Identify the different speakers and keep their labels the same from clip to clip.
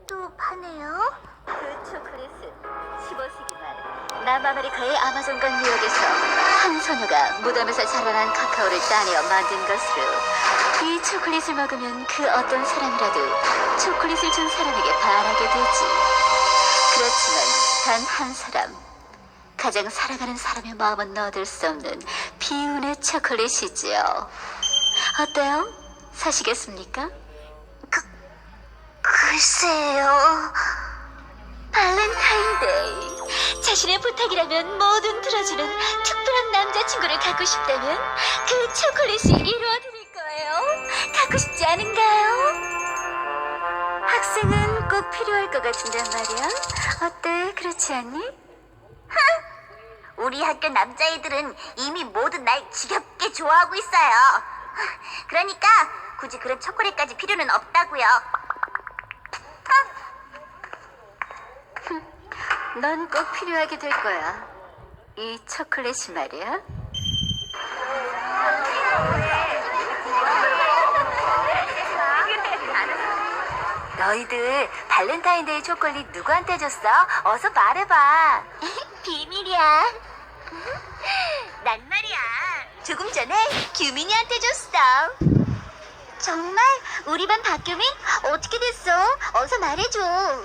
Speaker 1: 초콜릿도 파네요.
Speaker 2: 그 초콜릿은 15세기 말 남아메리카의 아마존강 유역에서 한 소녀가 무덤에서 자라난 카카오를 따내어 만든 것으로, 이 초콜릿을 먹으면 그 어떤 사람이라도 초콜릿을 준 사람에게 반하게 되지. 그렇지만 단 한 사람, 가장 사랑하는 사람의 마음은 얻을 수 없는 비운의 초콜릿이지요. 어때요? 사시겠습니까?
Speaker 1: 글쎄요.
Speaker 2: 발렌타인데이, 자신의 부탁이라면 뭐든 들어주는 특별한 남자친구를 갖고 싶다면 그 초콜릿이 이루어드릴 거예요. 갖고 싶지 않은가요? 학생은 꼭 필요할 것 같은데 말이야. 어때? 그렇지 않니?
Speaker 1: 우리 학교 남자애들은 이미 모두 날 지겹게 좋아하고 있어요. 그러니까 굳이 그런 초콜릿까지 필요는 없다고요.
Speaker 2: 넌 꼭 필요하게 될 거야. 이 초콜릿이 말이야. 너희들 발렌타인데이 초콜릿 누구한테 줬어? 어서 말해봐.
Speaker 1: 비밀이야. 난 말이야. 조금 전에 규민이한테 줬어. 정말? 우리 반 박규민? 어떻게 됐어? 어서 말해줘.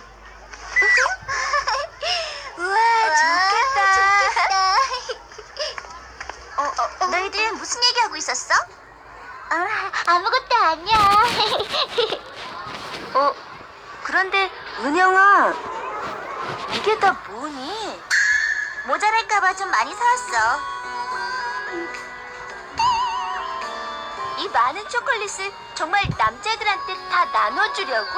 Speaker 1: 우와, 좋겠다. 너희들 무슨 얘기하고 있었어? 아무것도 아니야.
Speaker 2: 그런데 은영아, 이게 다 뭐니?
Speaker 1: 모자랄까봐 좀 많이 사왔어. 이 많은 초콜릿을 정말 남자애들한테 다 나눠주려고?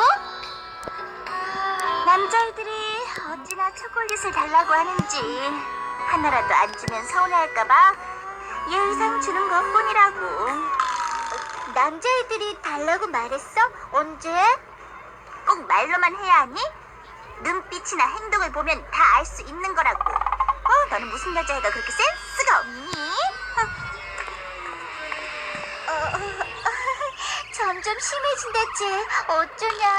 Speaker 1: 남자애들이 어찌나 초콜릿을 달라고 하는지, 하나라도 안 주면 서운해할까봐 예의상 주는 것뿐이라고. 남자애들이 달라고 말했어? 언제? 꼭 말로만 해야 하니? 눈빛이나 행동을 보면 다 알 수 있는 거라고. 너는 무슨 여자애가 그렇게 센스가 없니? 점점 심해진다, 쟤. 어쩌냐.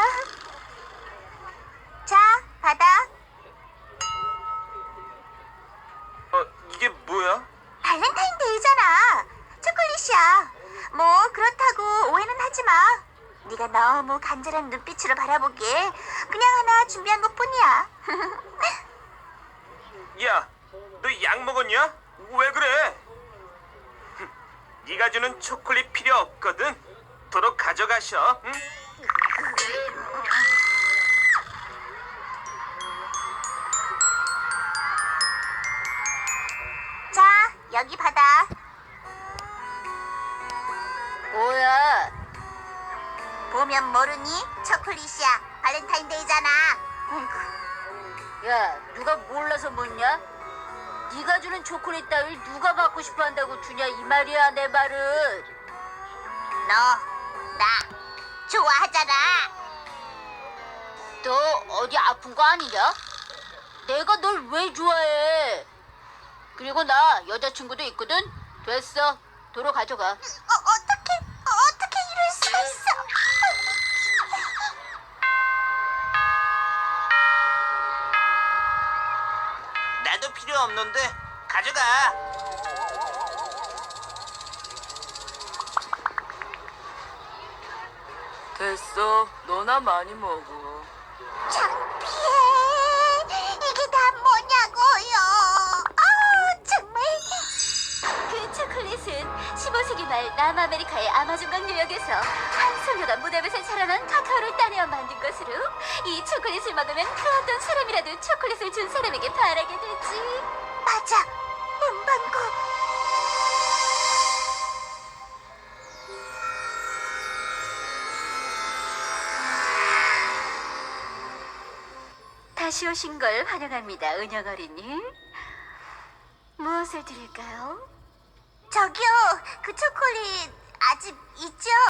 Speaker 1: 자, 받아.
Speaker 3: 이게 뭐야?
Speaker 1: 발렌타인데이잖아. 초콜릿이야. 뭐 그렇다고 오해는 하지 마. 네가 너무 간절한 눈빛으로 바라보기에 그냥 하나 준비한 것뿐이야.
Speaker 3: 야, 너 약 먹었냐? 왜 그래? 네가 주는 초콜릿 필요 없거든. 도로 가져가셔. 응?
Speaker 1: 자, 여기 받아.
Speaker 2: 뭐야?
Speaker 1: 보면 모르니? 초콜릿이야. 발렌타인데이잖아.
Speaker 2: 야, 누가 몰라서 묻냐? 네가 주는 초콜릿 따위를 누가 받고 싶어 한다고 주냐, 이 말이야, 내 말은.
Speaker 1: 너, 나 좋아하잖아.
Speaker 2: 너 어디 아픈 거 아니냐? 내가 널 왜 좋아해? 그리고 나 여자친구도 있거든? 됐어, 도로 가져가.
Speaker 1: 어떻게 이럴 수가 있어?
Speaker 3: 나도 필요 없는데 가져가.
Speaker 4: 됐어. 너나 많이 먹어.
Speaker 1: 창피해. 이게 다 뭐냐고요. 정말.
Speaker 2: 그 초콜릿은 15세기 말 남아메리카의 아마존강 유역에서 한 소녀가 무덤에서 자라난 카카오를 따내어 만든 것으로, 이 초콜릿을 먹으면 그 어떤 사람이라도 초콜릿을 준 사람에게 반하게 되지.
Speaker 1: 맞아. 문방구.
Speaker 2: 다시 오신 걸 환영합니다, 은영 어린이. 무엇을 드릴까요?
Speaker 1: 저기요. 그 초콜릿 아직 있죠?